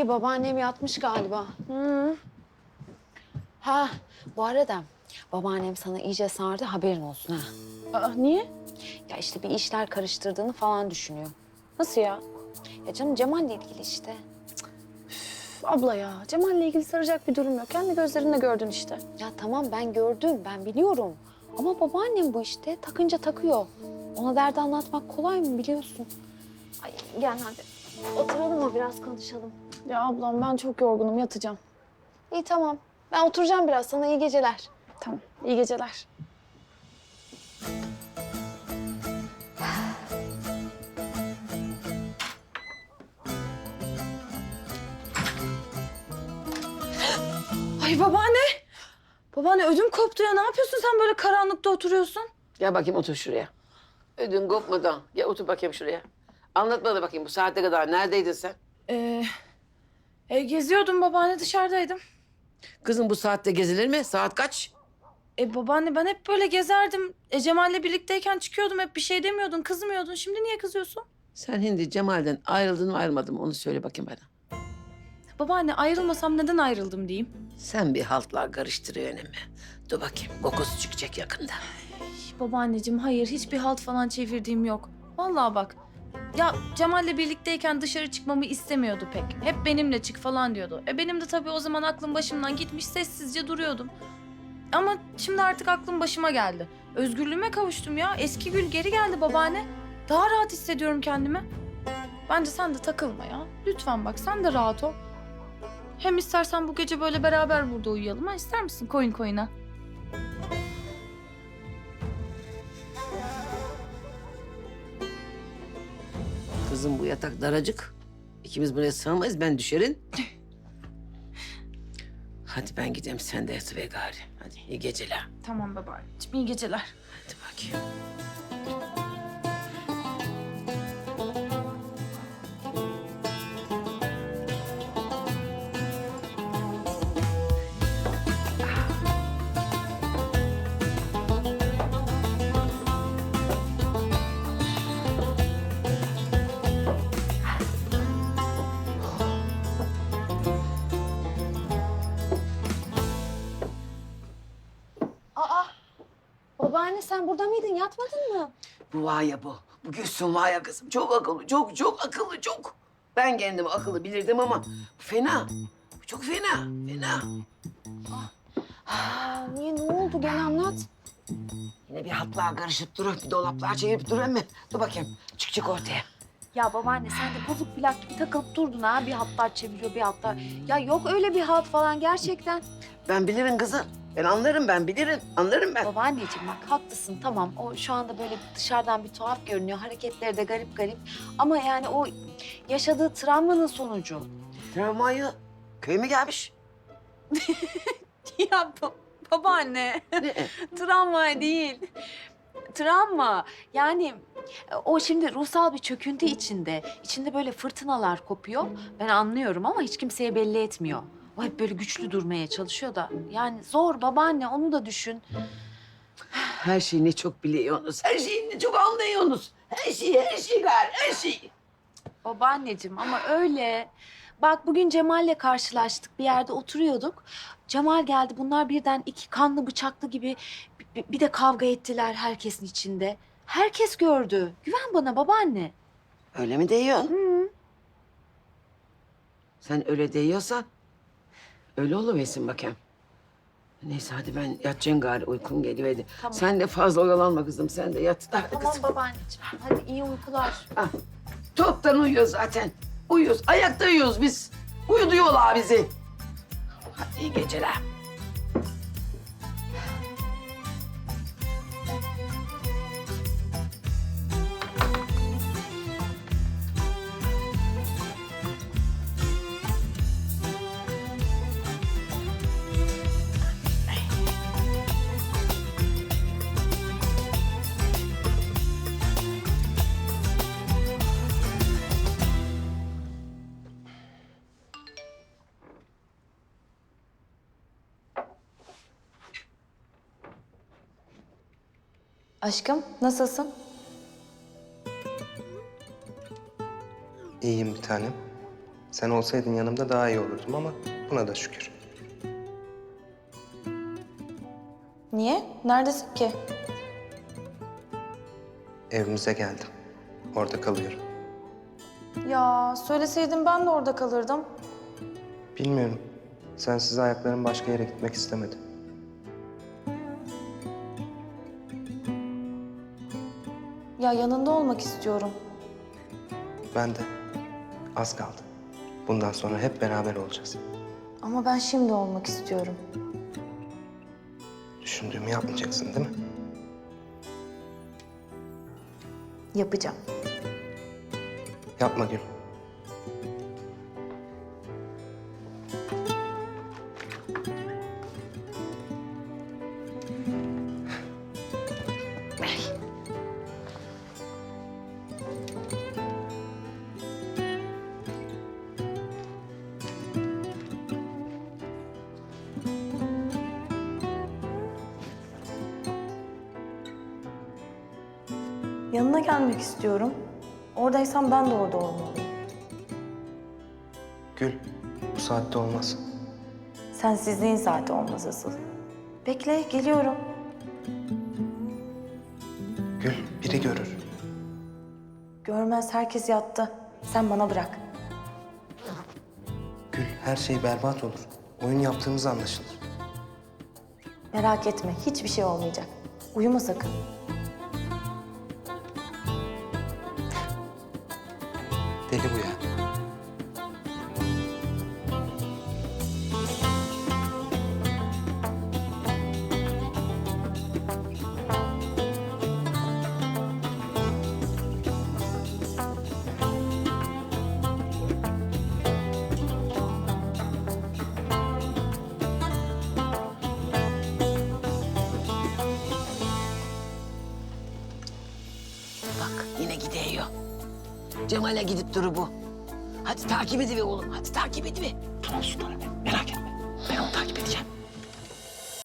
İyi, babaannem yatmış galiba. Ha, bu arada babaannem sana iyice sardı, haberin olsun ha. Aa, niye? Ya işte bir işler karıştırdığını falan düşünüyor. Nasıl ya? Ya canım Cemal'le ilgili işte. Üf, abla ya, Cemal'le ilgili saracak bir durum yok. Kendi gözlerinle gördün işte. Ya tamam ben gördüm, ben biliyorum. Ama babaannem bu işte, takınca takıyor. Ona derdi anlatmak kolay mı biliyorsun? Ay gel hadi. Oturalım mı biraz konuşalım. Ya ablam ben çok yorgunum, yatacağım. İyi tamam. Ben oturacağım biraz, sana iyi geceler. Tamam, iyi geceler. Ay babaanne! Babaanne ödüm koptu ya. Ne yapıyorsun sen böyle karanlıkta oturuyorsun? Gel bakayım otur şuraya. Ödün kopmadan. Gel otur bakayım şuraya. Anlat bana bakayım bu saate kadar neredeydin sen? Geziyordum babaanne, dışarıdaydım. Kızım bu saatte gezilir mi? Saat kaç? Babaanne ben hep böyle gezerdim. Cemal'le birlikteyken çıkıyordum, hep bir şey demiyordun, kızmıyordun. Şimdi niye kızıyorsun? Sen hindi Cemal'den ayrıldın mı ayrılmadın mı onu söyle bakayım bana. Babaanne ayrılmasam neden ayrıldım diyeyim. Sen bir haltlar karıştırıyorsun mi? Dur bakayım kokusu çıkacak yakında. Babaanneciğim hayır, hiçbir halt falan çevirdiğim yok. Vallahi bak. Ya Cemal'le birlikteyken dışarı çıkmamı istemiyordu pek. Hep benimle çık falan diyordu. Benim de tabii o zaman aklım başımdan gitmiş, sessizce duruyordum. Ama şimdi artık aklım başıma geldi. Özgürlüğüme kavuştum ya. Eski Gül geri geldi babaanne. Daha rahat hissediyorum kendimi. Bence sen de takılma ya. Lütfen bak, sen de rahat ol. Hem istersen bu gece böyle beraber burada uyuyalım ha. İster misin koyun koyuna? Kızım bu yatak daracık. İkimiz buraya sığamayız ben düşerim. Hadi ben gideyim sen de yatıver gari. Hadi iyi geceler. Tamam babaanneciğim, iyi geceler. Hadi bakayım. Babaanne sen burada mıydın, yatmadın mı? Bu var ya bu. Bu Gülsün var ya kızım. Çok akıllı, çok akıllı, çok. Ben kendimi akıllı bilirdim ama bu fena. Bu çok fena, fena. Aa, niye, ne oldu, gel anlat. Yine bir hatlar karışıp durur, bir dolaplar çevirip durur mu? Dur bakayım, çık ortaya. Ya babaanne sen de bozuk plak gibi takılıp durdun ha. Bir hatlar çeviriyor, bir hatlar. Ya yok öyle bir halt falan gerçekten. Ben bilirim kızım. Ben anlarım, ben bilirim. Anlarım ben. Babaanneciğim bak haklısın tamam. O şu anda böyle dışarıdan bir tuhaf görünüyor. Hareketleri de garip garip. Ama yani o yaşadığı travmanın sonucu. Travmayı köy mü gelmiş? Ya babaanne. Ne? Travma değil. Travma. Yani o şimdi ruhsal bir çöküntü içinde. İçinde böyle fırtınalar kopuyor. Ben anlıyorum ama hiç kimseye belli etmiyor. O hep böyle güçlü durmaya çalışıyor da. Yani zor babaanne, onu da düşün. Her şeyi ne çok biliyorsunuz, her şeyi ne çok anlıyorsunuz. Her şeyi gari, her şeyi. Babaanneciğim ama öyle. Bak bugün Cemal'le karşılaştık. Bir yerde oturuyorduk. Cemal geldi. Bunlar birden iki kanlı bıçaklı gibi bir de kavga ettiler herkesin içinde. Herkes gördü. Güven bana babaanne. Öyle mi diyorsun? Hı. Sen öyle diyorsan öyle oluversin bakayım. Neyse hadi ben yatacağım gari, uykum geliyor hadi. Tamam. Sen de fazla oyalanma kızım, sen de yat. Hadi Tamam kızım. babaanneciğim. Hadi iyi uykular. Ah, toptan uyuyoruz zaten. Uyuyoruz, ayakta uyuyoruz biz. Uyuduyorlar bizi. Hadi iyi geceler. Aşkım nasılsın? İyiyim bir tanem. Sen olsaydın yanımda daha iyi olurdum ama buna da şükür. Niye? Neredesin ki? Evimize geldim. Orada kalıyorum. Ya söyleseydin ben de orada kalırdım. Bilmiyorum. Sensiz ayaklarım başka yere gitmek istemedi. Ya yanında olmak istiyorum. Ben de. Az kaldı. Bundan sonra hep beraber olacağız. Ama ben şimdi olmak istiyorum. Düşündüğümü yapmayacaksın değil mi? Yapacağım. Yapma Gül. Yanına gelmek istiyorum. Oradaysan ben de orada olmalıyım. Gül, bu saatte olmaz. Sensizliğin saati olmaz asıl. Bekle, geliyorum. Gül, biri görür. Görmez, herkes yattı. Sen bana bırak. Gül, her şey berbat olur. Oyun yaptığımız anlaşılır. Merak etme, hiçbir şey olmayacak. Uyuma sakın. Deli bu ya. Bak yine gidiyor. Cemal'e gidip duru bu. Hadi takip ediver oğlum. Hadi takip ediver. Tamam sultanım. Merak etme. Ben onu takip edeceğim.